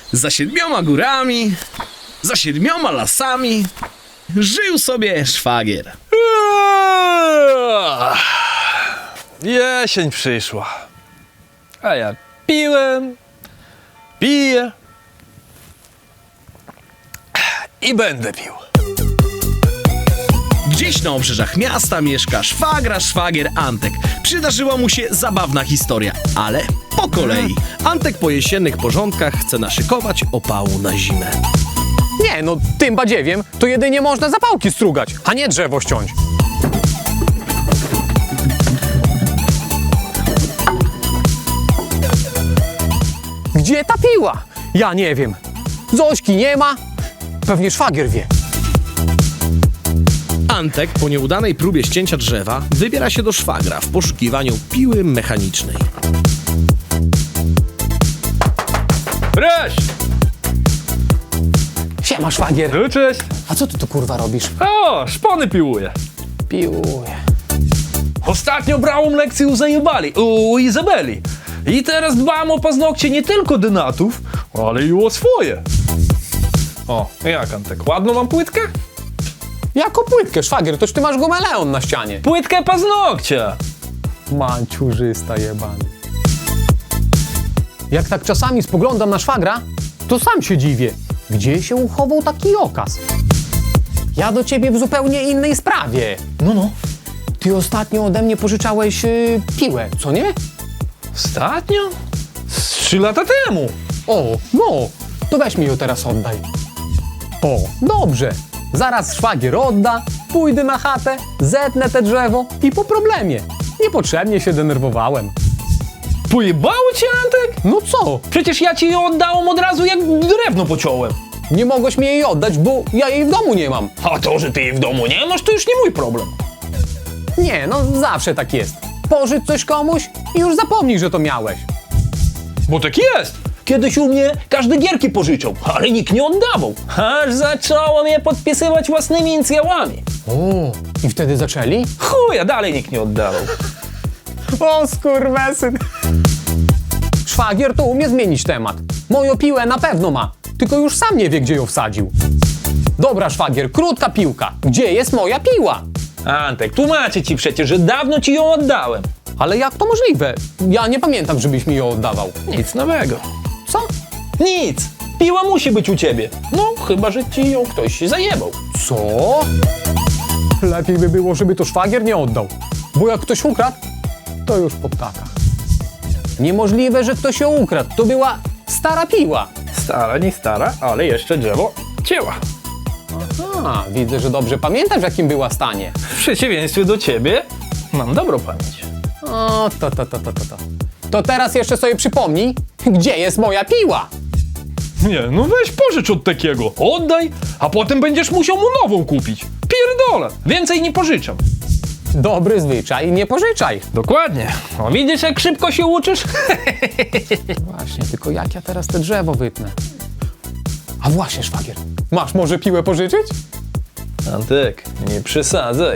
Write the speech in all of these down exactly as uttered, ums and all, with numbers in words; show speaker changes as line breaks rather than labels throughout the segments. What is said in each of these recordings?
Za siedmioma górami, za siedmioma lasami żył sobie szwagier.
Jesień przyszła, a ja piłem, piję i będę pił.
Gdzieś na obrzeżach miasta mieszka szwagra szwagier Antek. Przydarzyła mu się zabawna historia, ale po kolei.
Antek po jesiennych porządkach chce naszykować opału na zimę.
Nie, no tym badziewiem to jedynie można zapałki strugać, a nie drzewo ściąć. Gdzie ta piła? Ja nie wiem. Zośki nie ma. Pewnie szwagier wie.
Antek po nieudanej próbie ścięcia drzewa wybiera się do szwagra w poszukiwaniu piły mechanicznej.
Cześć!
Siema, szwagier.
No cześć!
A co ty tu kurwa robisz?
O, szpony piłuję.
Piłuję.
Ostatnio brałem lekcję u zajebali, u Izabeli. I teraz dbam o paznokcie nie tylko denatów, ale i o swoje. O, jak Antek, ładną mam płytkę?
Jako płytkę, szwagier, toż ty masz gomeleon na ścianie.
Płytkę paznokcia!
Manciurzysta jebany. Jak tak czasami spoglądam na szwagra, to sam się dziwię. Gdzie się uchował taki okaz? Ja do ciebie w zupełnie innej sprawie.
No, no.
Ty ostatnio ode mnie pożyczałeś yy, piłę, co nie?
Ostatnio? Z trzy lata temu.
O, no, to weź mi ją teraz oddaj. O, dobrze. Zaraz szwagier odda, pójdę na chatę, zetnę te drzewo i po problemie. Niepotrzebnie się denerwowałem.
Pojebało cię, Antek?
No co?
Przecież ja ci ją oddałem od razu, jak drewno pociąłem.
Nie mogłeś mi jej oddać, bo ja jej w domu nie mam.
A to, że ty jej w domu nie masz, to już nie mój problem.
Nie, no zawsze tak jest. Pożycz coś komuś i już zapomnij, że to miałeś.
Bo tak jest. Kiedyś u mnie każdy gierki pożyczał, ale nikt nie oddawał. Aż zacząłem je podpisywać własnymi inicjałami.
O, i wtedy zaczęli?
Chuja, dalej nikt nie oddawał.
O, skurwesyn. Szwagier to umie zmienić temat. Moją piłę na pewno ma, tylko już sam nie wie, gdzie ją wsadził. Dobra, szwagier, krótka piłka. Gdzie jest moja piła?
Antek, tłumaczę ci przecież, że dawno ci ją oddałem.
Ale jak to możliwe? Ja nie pamiętam, żebyś mi ją oddawał.
Nic nowego.
Co?
Nic. Piła musi być u ciebie. No, chyba że ci ją ktoś zajebał.
Co? Lepiej by było, żeby to szwagier nie oddał. Bo jak ktoś ukradł, to już po ptakach. Niemożliwe, że ktoś ją ukradł. To była stara piła.
Stara, nie stara, ale jeszcze drzewo cięła.
A, widzę, że dobrze pamiętasz, w jakim była stanie.
W przeciwieństwie do ciebie mam dobrą pamięć.
O, to, to, to, to, to, to. To teraz jeszcze sobie przypomnij, gdzie jest moja piła.
Nie, no weź pożycz od takiego. Oddaj, a potem będziesz musiał mu nową kupić. Pierdolę, więcej nie pożyczam.
Dobry zwyczaj, nie pożyczaj.
Dokładnie. O, widzisz, jak szybko się uczysz?
Właśnie, tylko jak ja teraz te drzewo wytnę? A właśnie, szwagier, masz może piłę pożyczyć?
Antek, nie przesadzaj.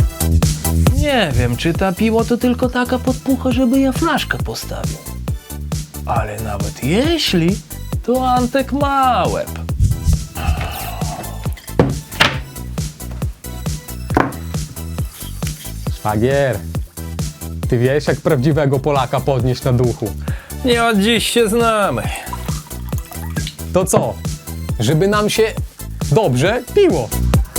Nie wiem, czy ta piła to tylko taka podpucha, żeby ja flaszkę postawił. Ale nawet jeśli, to Antek ma łeb.
Szwagier, ty wiesz, jak prawdziwego Polaka podnieść na duchu.
Nie od dziś się znamy.
To co? Żeby nam się dobrze piło.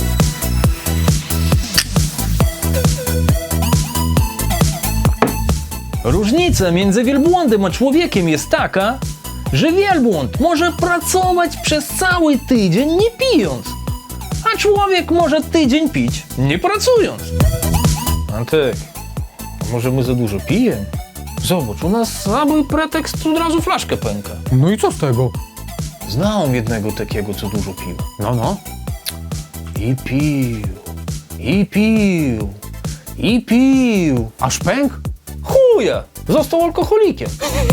Różnica między wielbłądem a człowiekiem jest taka, że wielbłąd może pracować przez cały tydzień nie pijąc, a człowiek może tydzień pić nie pracując. Antek, a może my za dużo pijemy? Zobacz, u nas cały pretekst od razu flaszkę pęka.
No i co z tego?
Znałem jednego takiego, co dużo pił.
No, no.
I pił, i pił, i pił.
Aż pęk?
Chuja! Został alkoholikiem.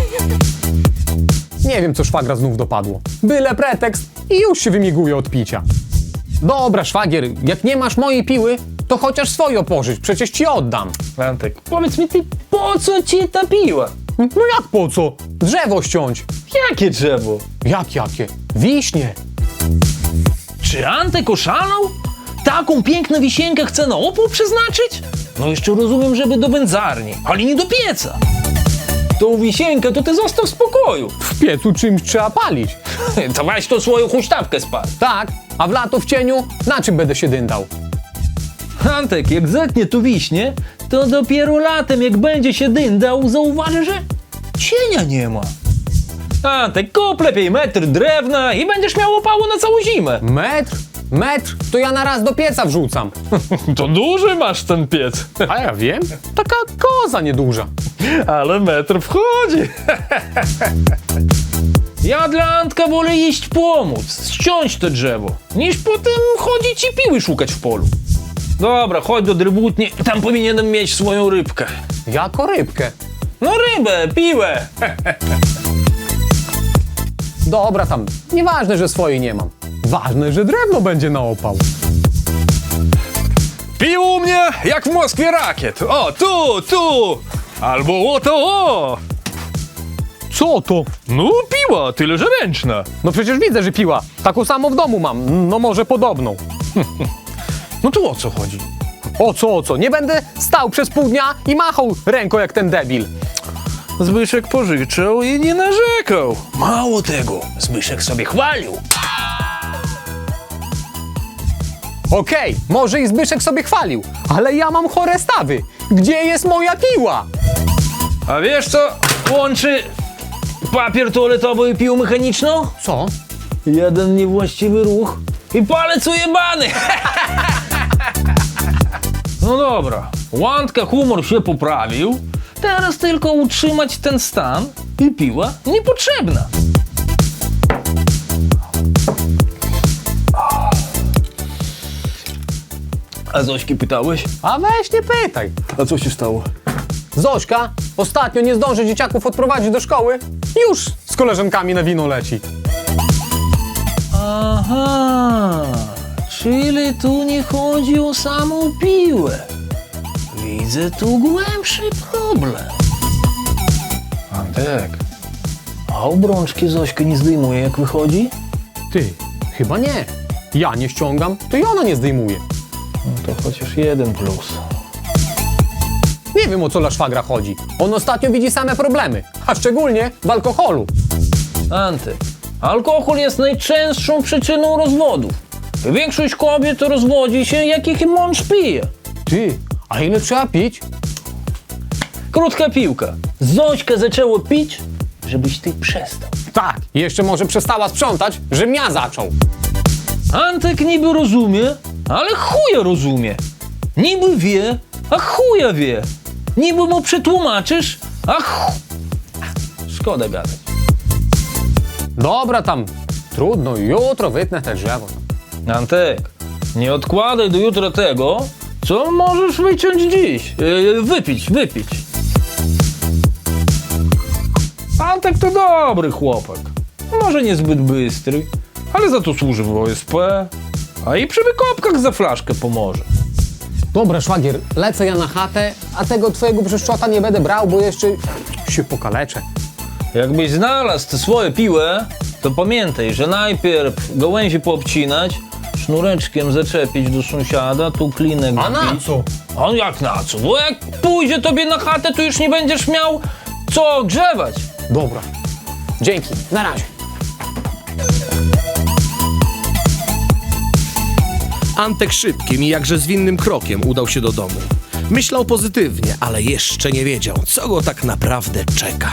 Nie wiem, co szwagra znów dopadło. Byle pretekst i już się wymiguje od picia. Dobra, szwagier, jak nie masz mojej piły, to chociaż swoją pożycz, przecież ci oddam.
Antek, powiedz mi ty, po co ci ta piła?
No jak po co? Drzewo ściąć.
Jakie drzewo?
Jak jakie? Wiśnie.
Czy Antek oszalał? Taką piękną wisienkę chce na opał przeznaczyć? No jeszcze rozumiem, żeby do wędzarni, ale nie do pieca. Tą wisienkę to ty zostaw w spokoju.
W piecu czymś trzeba palić.
To weź to swoją huśtawkę spal.
Tak, a w lato w cieniu na czym będę się dyndał?
Antek, jak zetnie tu wiśnie, to dopiero latem, jak będzie się dyndał, zauważy, że cienia nie ma. Antek, kup lepiej metr drewna i będziesz miał opało na całą zimę.
Metr? Metr? To ja na raz do pieca wrzucam.
To duży masz ten piec.
A ja wiem. Taka koza nieduża.
Ale metr wchodzi. Ja dla Antka wolę iść pomóc, ściąć to drzewo, niż potem chodzić i piły szukać w polu. Dobra, chodź do drybutni, tam powinienem mieć swoją rybkę.
Jako rybkę.
No rybę, piłę.
Dobra tam, nieważne, że swojej nie mam. Ważne, że drewno będzie na opał.
Pił u mnie jak w Moskwie rakiet. O, tu, tu. Albo o to, o.
Co to?
No piła, tyle że ręczna.
No przecież widzę, że piła. Taką samą w domu mam, no może podobną.
No tu o co chodzi?
O co, o co? Nie będę stał przez pół dnia i machał ręką jak ten debil.
Zbyszek pożyczał i nie narzekał. Mało tego, Zbyszek sobie chwalił.
Okej, może i Zbyszek sobie chwalił, ale ja mam chore stawy. Gdzie jest moja piła?
A wiesz co łączy papier toaletowy i piłę mechaniczną?
Co?
Jeden niewłaściwy ruch i palec ujebany. No dobra, Łądka humor się poprawił. Teraz tylko utrzymać ten stan i piła niepotrzebna. A Zośki pytałeś?
A weź nie pytaj.
A co się stało?
Zośka ostatnio nie zdąży dzieciaków odprowadzić do szkoły. Już z koleżankami na wino leci.
Aha, czyli tu nie chodzi o samą piłę. Widzę tu głębszy problem. Antek, a obrączki Zośka nie zdejmuje jak wychodzi?
Ty, chyba nie. Ja nie ściągam, to i ona nie zdejmuje.
No to chociaż jeden plus.
Nie wiem, o co dla szwagra chodzi. On ostatnio widzi same problemy, a szczególnie w alkoholu.
Antek, alkohol jest najczęstszą przyczyną rozwodów. Większość kobiet rozwodzi się, jak ich mąż pije.
Ty, a ile trzeba pić?
Krótka piłka. Zośka zaczęło pić, żebyś ty przestał.
Tak, i jeszcze może przestała sprzątać, żebym ja zaczął.
Antek niby rozumie, ale chuja rozumie. Niby wie, a chuja wie. Niby mu przetłumaczysz, a chu... Szkoda gadać.
Dobra tam, trudno, jutro wytnę te drzewo.
Antek, nie odkładaj do jutra tego, co możesz wyciąć dziś. Yy, wypić, wypić. Antek to dobry chłopak. Może niezbyt bystry, ale za to służy w O S P, a i przy wykopkach za flaszkę pomoże.
Dobra, szwagier, lecę ja na chatę, a tego twojego brzeszczota nie będę brał, bo jeszcze się pokaleczę.
Jakbyś znalazł tę swoją piłę, to pamiętaj, że najpierw gałęzi poobcinać, sznureczkiem zaczepić do sąsiada, tu klinek
A na
wbić.
co?
A jak na co? Bo jak pójdzie tobie na chatę, to już nie będziesz miał co grzewać.
Dobra, dzięki, na razie.
Antek szybkim i jakże zwinnym krokiem udał się do domu. Myślał pozytywnie, ale jeszcze nie wiedział, co go tak naprawdę czeka.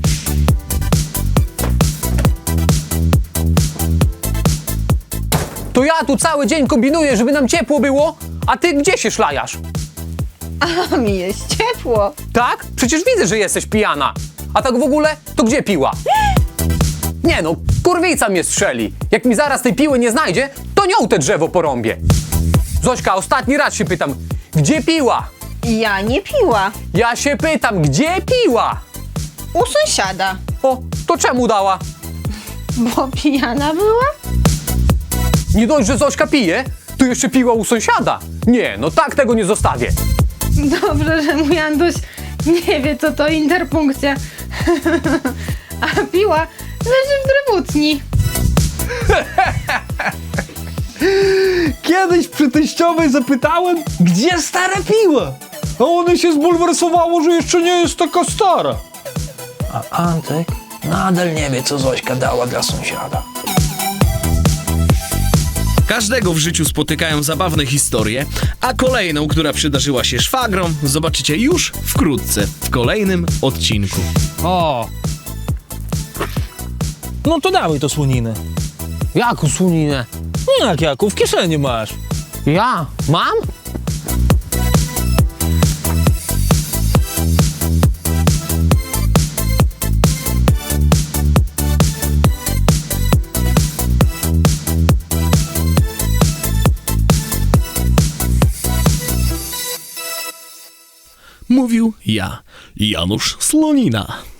To ja tu cały dzień kombinuję, żeby nam ciepło było, a ty gdzie się szlajasz?
A mi jest ciepło.
Tak? Przecież widzę, że jesteś pijana. A tak w ogóle, to gdzie piła? Nie no, kurwica mnie strzeli. Jak mi zaraz tej piły nie znajdzie, to nią te drzewo porąbię. Zośka, ostatni raz się pytam, gdzie piła?
Ja nie piła.
Ja się pytam, gdzie piła?
U sąsiada.
O, to czemu dała?
Bo pijana była?
Nie dość, że Zośka pije, to jeszcze piła u sąsiada. Nie, no tak tego nie zostawię.
Dobrze, że mój Anduś nie wie, co to interpunkcja. A piła leży w drewutni.
Kiedyś przy teściowej zapytałem, gdzie stara piła? A ona się zbulwersowało, że jeszcze nie jest taka stara. A Antek nadal nie wie, co Zośka dała dla sąsiada.
Każdego w życiu spotykają zabawne historie, a kolejną, która przydarzyła się szwagrom, zobaczycie już wkrótce w kolejnym odcinku.
O! No to dawaj to słoninę.
Jaką słoninę?
No jak, jaką? W kieszeni masz.
Ja? Mam?
Mówił ja, Janusz Slonina.